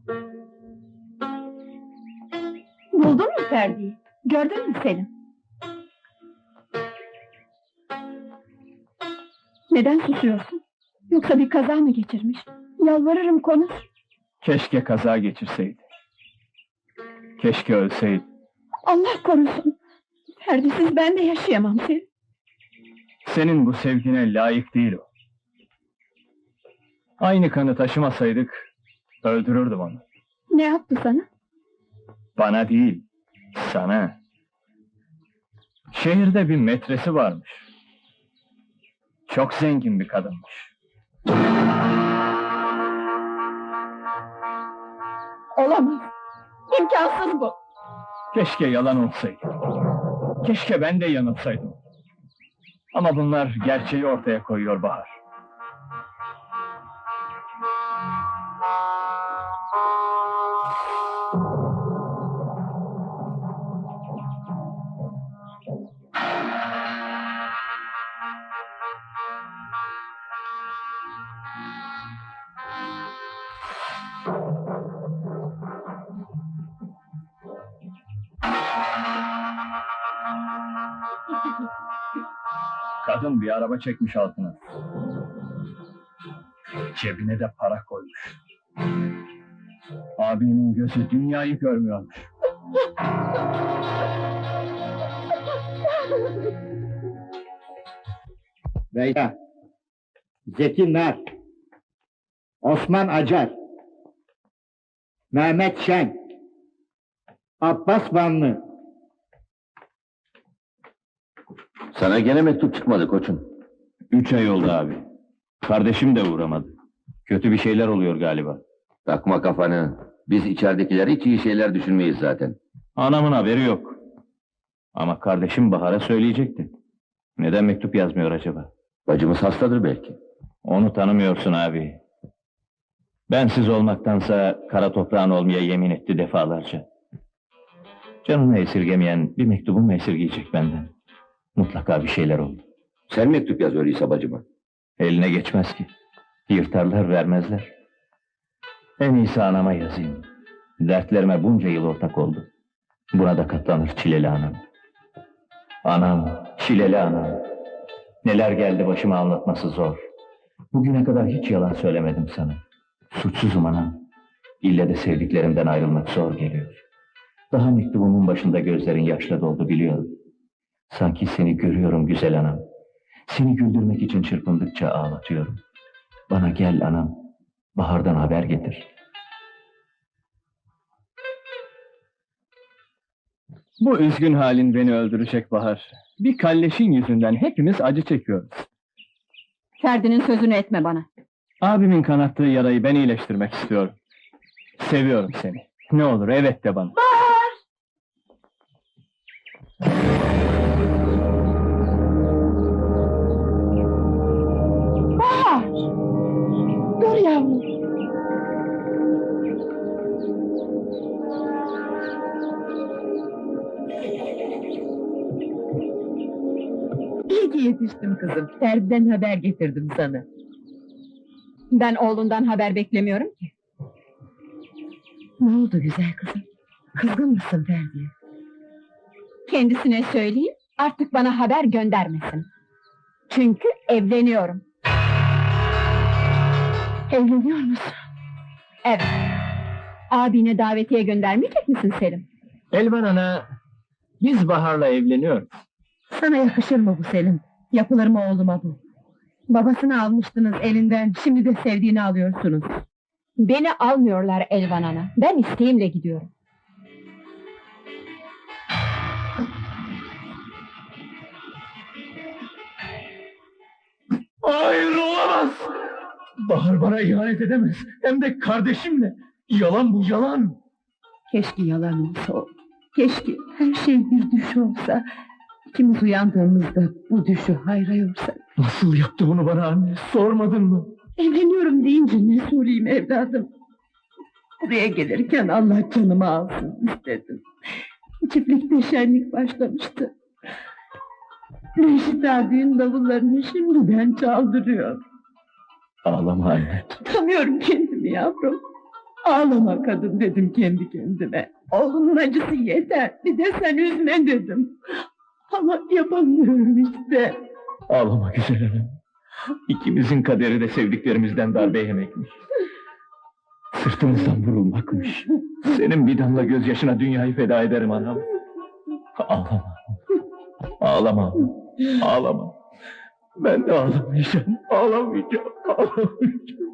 Buldun mu Ferdi'yi? Gördün mü Selim? Neden susuyorsun? Yoksa bir kaza mı geçirmiş? Yalvarırım konuş. Keşke kaza geçirseydi. Keşke ölseydi. Allah korusun! Ferdi'siz ben de yaşayamam Selim. Senin bu sevgine layık değil o. Aynı kanı taşımasaydık, öldürürdüm onu. Ne yaptı sana? Bana değil, sana. Şehirde bir metresi varmış. Çok zengin bir kadınmış. Olamaz! İmkansız bu! Keşke yalan olsaydı. Keşke ben de yanılsaydım. Ama bunlar gerçeği ortaya koyuyor Bahar. Kadın bir araba çekmiş altına. Cebine de para koymuş. Abimin gözü dünyayı görmüyormuş. Beyza, Zeki Nar, Osman Acar, Mehmet Şen, Abbas Vanlı. Sana gene mektup çıkmadı koçum. 3 ay oldu abi. Kardeşim de uğramadı. Kötü bir şeyler oluyor galiba. Takma kafanı. Biz içeridekiler hiç iyi şeyler düşünmeyiz zaten. Anamın haberi yok. Ama kardeşim Bahar'a söyleyecekti. Neden mektup yazmıyor acaba? Bacımız hastadır belki. Onu tanımıyorsun abi. Bensiz olmaktansa kara toprağın olmaya yemin etti defalarca. Canını esirgemeyen bir mektubumu esirgeyecek benden. Mutlaka bir şeyler oldu. Sen mektup yaz öyleyse bacıma. Eline geçmez ki. Yırtarlar vermezler. En iyisi anama yazayım. Dertlerime bunca yıl ortak oldu. Buna da katlanır çileli anam. Anam, çileli anam. Neler geldi başıma anlatması zor. Bugüne kadar hiç yalan söylemedim sana. Suçsuzum anam. İlle de sevdiklerimden ayrılmak zor geliyor. Daha mektubumun başında gözlerin yaşla doldu biliyorum. Sanki seni görüyorum güzel anam. Seni güldürmek için çırpındıkça ağlatıyorum. Bana gel anam, Bahar'dan haber getir. Bu üzgün halin beni öldürecek Bahar. Bir kalleşin yüzünden hepimiz acı çekiyoruz. Ferdi'nin sözünü etme bana. Abimin kanattığı yarayı ben iyileştirmek istiyorum. Seviyorum seni. Ne olur evet de bana. Bahar! Dur yavrum! İyi ki yetiştim kızım. Ferdi'den haber getirdim sana. Ben oğlundan haber beklemiyorum ki. Ne oldu güzel kızım? Kızgın mısın Ferdi'ye? Kendisine söyleyeyim, artık bana haber göndermesin. Çünkü evleniyorum. Evleniyor musun? Evet. Abine davetiye göndermeyecek misin Selim? Elvan ana, biz Bahar'la evleniyoruz. Sana yakışır mı bu Selim? Yapılır mı oğluma bu? Babasını almıştınız elinden, şimdi de sevdiğini alıyorsunuz. Beni almıyorlar Elvan ana. Ben isteğimle gidiyorum. Hayır olamaz! Bahar bana ihanet edemez. Hem de kardeşimle. Yalan bu yalan. Keşke yalan olsa o. Keşke her şey bir düş olsa. İkimiz uyandığımızda bu düşü hayra yorsak. Nasıl yaptı bunu bana anne? Sormadın mı? Evleniyorum deyince ne sorayım evladım? Buraya gelirken Allah canımı alsın istedim. Çiftlikte şenlik başlamıştı. Reşit ağa düğün davullarını şimdiden çaldırıyor. Ağlama anne. Tutamıyorum kendimi yavrum. Ağlama kadın dedim kendi kendime. Oğlunun acısı yeter. Bir de sen üzme dedim. Ama yapamıyorum işte. Ağlama güzel hanım. İkimizin kaderi de sevdiklerimizden darbe yemekmiş. Sırtımızdan vurulmakmış. Senin bir damla gözyaşına dünyayı feda ederim anam. Ağlama. Ağlama. Ağlama. Ben de ağlamayacağım. Ağlamayacağım. Ağlamayacağım.